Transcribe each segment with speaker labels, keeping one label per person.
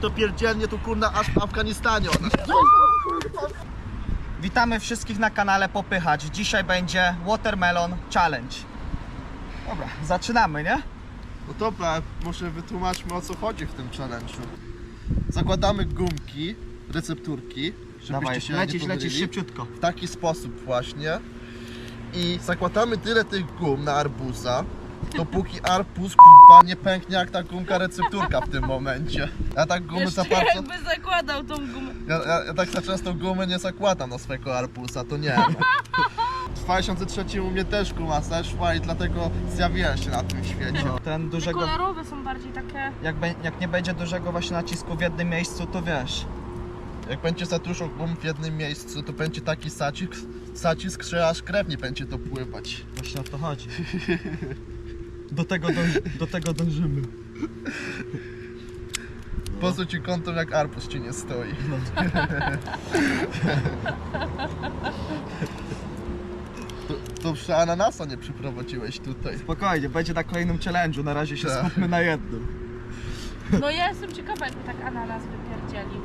Speaker 1: To pierdzielnie tu kurna aż w Afganistanie ona.
Speaker 2: Witamy wszystkich na kanale Popychacz. Dzisiaj będzie Watermelon Challenge. Dobra, zaczynamy, nie?
Speaker 1: No dobra, może wytłumaczmy, o co chodzi w tym challenge'u. Zakładamy gumki, recepturki, żebyście
Speaker 2: Dawaj,
Speaker 1: się
Speaker 2: lecisz
Speaker 1: nie pomylili.
Speaker 2: szybciutko.
Speaker 1: W taki sposób właśnie. I zakładamy tyle tych gum na arbuza, dopóki arbuz kurwa nie pęknie jak ta gumka recepturka w tym momencie. Ja tak gumy za
Speaker 3: Jeszcze
Speaker 1: bardzo...
Speaker 3: jakby zakładał tą gumę.
Speaker 1: Ja tak za często gumy nie zakładam na swojego arbuza, to nie. W 2003 u mnie też guma zeszła i dlatego zjawiłem się na tym świecie.
Speaker 2: Ten
Speaker 3: Te
Speaker 2: dużego...
Speaker 3: kolorowe są bardziej takie...
Speaker 2: Jak nie będzie dużego właśnie nacisku w jednym miejscu, to wiesz.
Speaker 1: Jak będzie za dużo gum w jednym miejscu, to będzie taki zacisk, że aż krew nie będzie to pływać.
Speaker 2: Właśnie o to chodzi. Do tego dążymy.
Speaker 1: Po co ci kątem jak arbuz ci nie stoi? To przy ananasa nie przyprowadziłeś tutaj.
Speaker 2: Spokojnie, będzie na kolejnym challenge'u. Na razie się
Speaker 1: Tak.
Speaker 2: skupmy na jednym.
Speaker 3: No ja jestem ciekawa, jakby tak ananas wypierdzielił.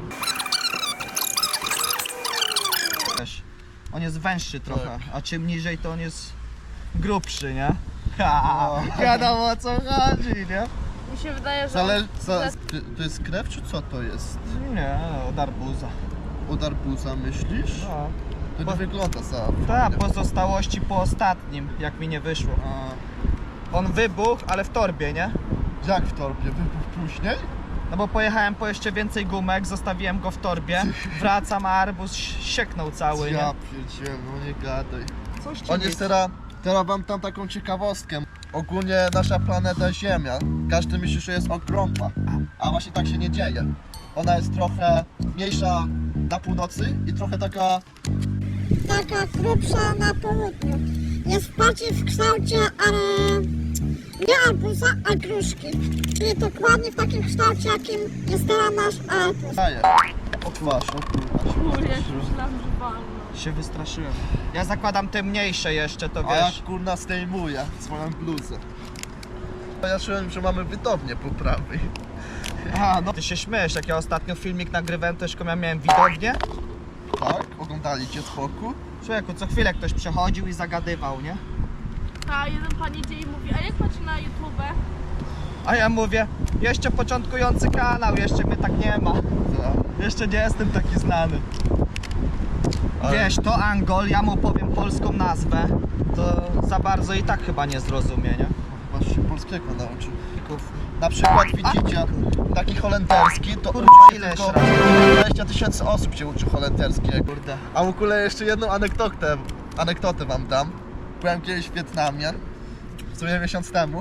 Speaker 2: Wiesz, on jest węższy trochę,
Speaker 1: Tak.
Speaker 2: a czym niżej to on jest grubszy, nie? Ha, wiadomo o co chodzi, nie?
Speaker 3: Mi się wydaje, że...
Speaker 1: To jest krew czy co to jest?
Speaker 2: Nie, od arbuza.
Speaker 1: Od arbuza myślisz?
Speaker 2: No.
Speaker 1: To nie
Speaker 2: Po-
Speaker 1: wygląda za
Speaker 2: Tak,
Speaker 1: fajnie.
Speaker 2: pozostałości po ostatnim, jak mi nie wyszło. On wybuchł, ale w torbie, nie?
Speaker 1: Jak w torbie? Wybuch później?
Speaker 2: No bo pojechałem po jeszcze więcej gumek, zostawiłem go w torbie, wracam, a arbuz sieknął cały, nie?
Speaker 1: Ja pierdzielę, no nie gadaj.
Speaker 2: Coś ci
Speaker 1: On jest teraz wam tam taką ciekawostkę. Ogólnie nasza planeta Ziemia, każdy myśli, że jest okrągła, a właśnie tak się nie dzieje. Ona jest trochę mniejsza na północy i trochę taka...
Speaker 4: taka grubsza na południu. Jest bardziej w kształcie, ale nie arbuza, a gruszki. Czyli dokładnie w takim kształcie, jakim jest teraz nasz arbuz.
Speaker 1: daje. Otwarz, o kurwa.
Speaker 3: Kurde, ja się myślałam, że walno.
Speaker 2: się wystraszyłem. Ja zakładam te mniejsze jeszcze, to
Speaker 1: A ja
Speaker 2: wiesz.
Speaker 1: kurna zdejmuję swoją bluzę. Ja czułem, że mamy widownię po prawej.
Speaker 2: A, no ty się śmiesz, jak ja ostatnio filmik nagrywałem, to jeszcze miałem widownię.
Speaker 1: Tak? Oglądaliście z boku?
Speaker 2: Człowieku, co chwilę ktoś przechodził i zagadywał, nie?
Speaker 3: A jeden pan idzie i mówi, a jak macie na YouTube?
Speaker 2: A ja mówię, jeszcze początkujący kanał, jeszcze mnie tak nie ma.
Speaker 1: Tak.
Speaker 2: Jeszcze nie jestem taki znany.
Speaker 1: Ale-
Speaker 2: Wiesz, to Angol, ja mu powiem polską nazwę, to za bardzo i tak chyba nie zrozumie, nie?
Speaker 1: Chyba się polskiego nauczył. Na przykład widzicie, taki holenderski, to
Speaker 2: Kurwa,
Speaker 1: uczy się
Speaker 2: ile
Speaker 1: tylko
Speaker 2: jeszcze
Speaker 1: 20 000 osób się uczy holenderskiego.
Speaker 2: Kurde.
Speaker 1: A w ogóle jeszcze jedną anegdotę wam dam. Byłem kiedyś w Wietnamie, w sumie miesiąc temu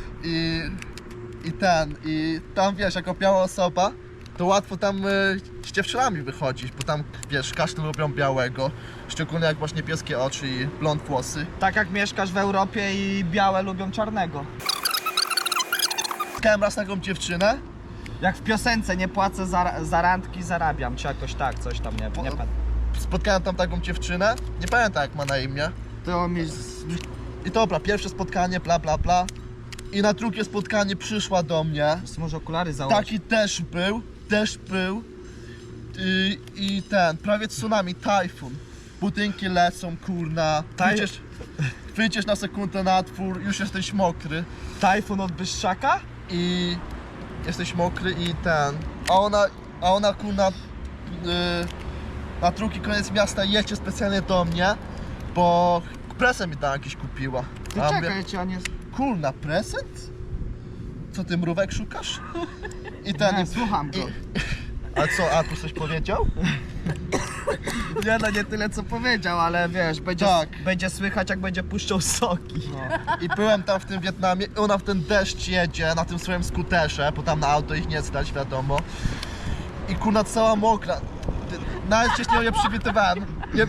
Speaker 1: i tam wiesz, jako biała osoba, to łatwo tam z dziewczynami wychodzić, bo tam wiesz, każdy lubią białego, szczególnie jak masz niebieskie oczy i blond włosy.
Speaker 2: Tak jak mieszkasz w Europie i białe lubią czarnego.
Speaker 1: Spotkałem raz taką dziewczynę,
Speaker 2: Jak w piosence, nie płacę za randki, zarabiam, czy jakoś tak, coś tam, nie pamiętam.
Speaker 1: spotkałem tam taką dziewczynę, nie pamiętam jak ma na imię.
Speaker 2: To mi...
Speaker 1: I dobra, pierwsze spotkanie, bla bla bla. I na drugie spotkanie przyszła do mnie.
Speaker 2: Może okulary założyć.
Speaker 1: Taki też był. I ten, prawie tsunami, tajfun. Budynki lecą, kurna. Wyjdziesz na sekundę na dwór, już jesteś mokry.
Speaker 2: Tajfun od Byszczaka?
Speaker 1: I jesteś mokry i ten. A ona kurna na drugi koniec miasta jedzie specjalnie do mnie, bo prezent mi tam jakiś kupiła.
Speaker 2: Ty
Speaker 1: A ja
Speaker 2: czekaj,
Speaker 1: mówię,
Speaker 2: cię nie...
Speaker 1: kurna, prezent? Co ty mrówek szukasz? I ten.
Speaker 2: Nie, słucham go.
Speaker 1: A co, a tu coś powiedział?
Speaker 2: Nie, no nie tyle co powiedział, ale wiesz,
Speaker 1: Tak.
Speaker 2: będzie słychać jak będzie puszczał soki.
Speaker 1: I byłem tam w tym Wietnamie i ona w ten deszcz jedzie na tym swoim skuterze, bo tam na auto ich nie stać, wiadomo. I kurna cała mokra. Nawet się z nią nie przywitywałem.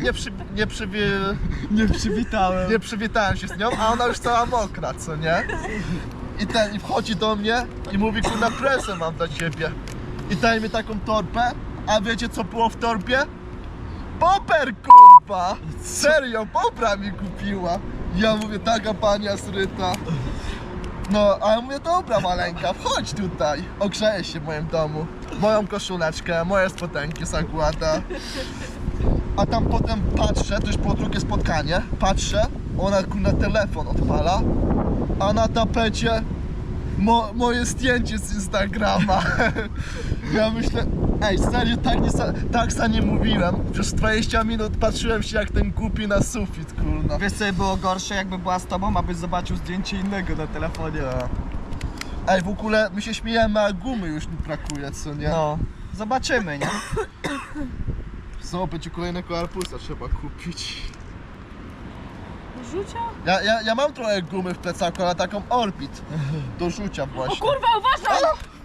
Speaker 2: Nie przywitałem.
Speaker 1: Nie przywitałem się z nią, a ona już cała mokra, co nie? I wchodzi do mnie i mówi, kurna, presę mam dla ciebie. I daje mi taką torbę, a wiecie co było w torbie? Poper, kurwa! Serio, popra mi kupiła. Ja mówię, taka pania zryta. No, a ja mówię, dobra maleńka, wchodź tutaj. Ogrzejesz się w moim domu. moją koszuleczkę, moje spodenki zakłada. A tam potem patrzę, to już po drugie spotkanie, patrzę, ona na telefon odpala, a na tapecie moje zdjęcie z Instagrama. Ja myślę, ej, serio, tak za nie mówiłem. Przez 20 minut patrzyłem się jak ten głupi na sufit, kurna.
Speaker 2: Wiesz co by było gorsze, jakby była z tobą, abyś zobaczył zdjęcie innego na telefonie.
Speaker 1: Ej, w ogóle my się śmiejemy, a gumy już mi brakuje, co nie?
Speaker 2: No, zobaczymy, nie?
Speaker 1: Co, będzie kolejnego arpusa trzeba kupić.
Speaker 3: Rzucia?
Speaker 1: Ja mam trochę gumy w plecaku, ale taką Orbit do rzucia
Speaker 3: O
Speaker 1: właśnie.
Speaker 3: kurwa, uważaj!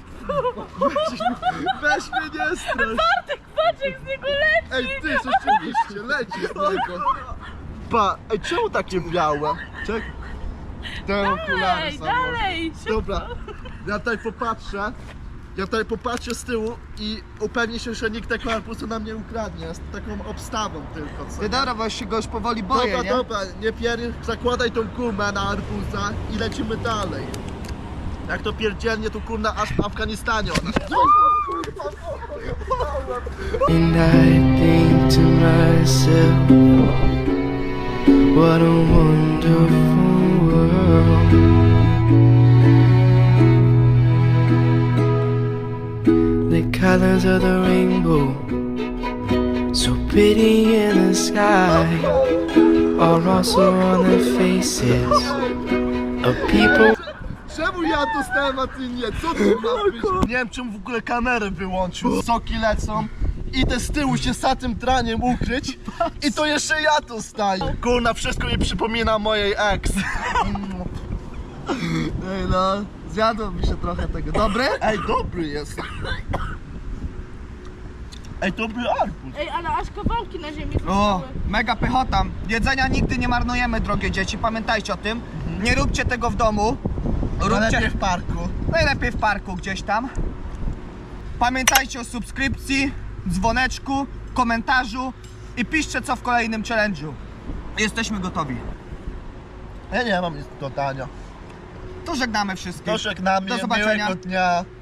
Speaker 1: Weź mnie nie strasz.
Speaker 3: Patrz jak z niego leci!
Speaker 1: Ej, ty, rzeczywiście, leci z niego. Pa, ej, czemu takie białe? Czek. Te okulary
Speaker 3: Ej,
Speaker 1: założę.
Speaker 3: dalej!
Speaker 1: Dobra, ja tutaj popatrzę z tyłu i upewnię się, że nikt tego arbuzu nam nie ukradnie. Z taką obstawą tylko, co
Speaker 2: Ty
Speaker 1: nie?
Speaker 2: dobra, bo się go już powoli boję,
Speaker 1: Dobra,
Speaker 2: nie?
Speaker 1: dobra, nie zakładaj tą gumę na arbuza i lecimy dalej. Jak to pierdzielnie, to kurna aż w Afganistanie ona.
Speaker 5: And I think to myself, what a wonderful world. The colors of the rainbow, so pretty in the sky, are also on the faces of people.
Speaker 1: Czemu ja dostałem, a ty nie? Co to ma być? Nie wiem, czemu w ogóle kamerę wyłączył. Soki lecą. Idę z tyłu się za tym traniem ukryć i to jeszcze ja tu staję. Kurna, wszystko mi przypomina mojej ex.
Speaker 2: Ej no, zjadło mi się trochę tego. Dobry?
Speaker 1: Ej, dobry jest. Ej, dobry arbuz.
Speaker 3: Ej, ale aż kawałki na ziemi
Speaker 2: O,
Speaker 3: zostały.
Speaker 2: mega pychota. Jedzenia nigdy nie marnujemy, drogie dzieci, pamiętajcie o tym. Nie róbcie tego w domu.
Speaker 1: Lepiej w parku.
Speaker 2: Najlepiej w parku gdzieś tam. Pamiętajcie o subskrypcji, dzwoneczku, komentarzu i piszcie co w kolejnym challenge'u. Jesteśmy gotowi.
Speaker 1: Ja nie mam nic do dodania.
Speaker 2: To żegnamy wszystkich.
Speaker 1: To żegnamy,
Speaker 2: Do zobaczenia.
Speaker 1: miłego dnia.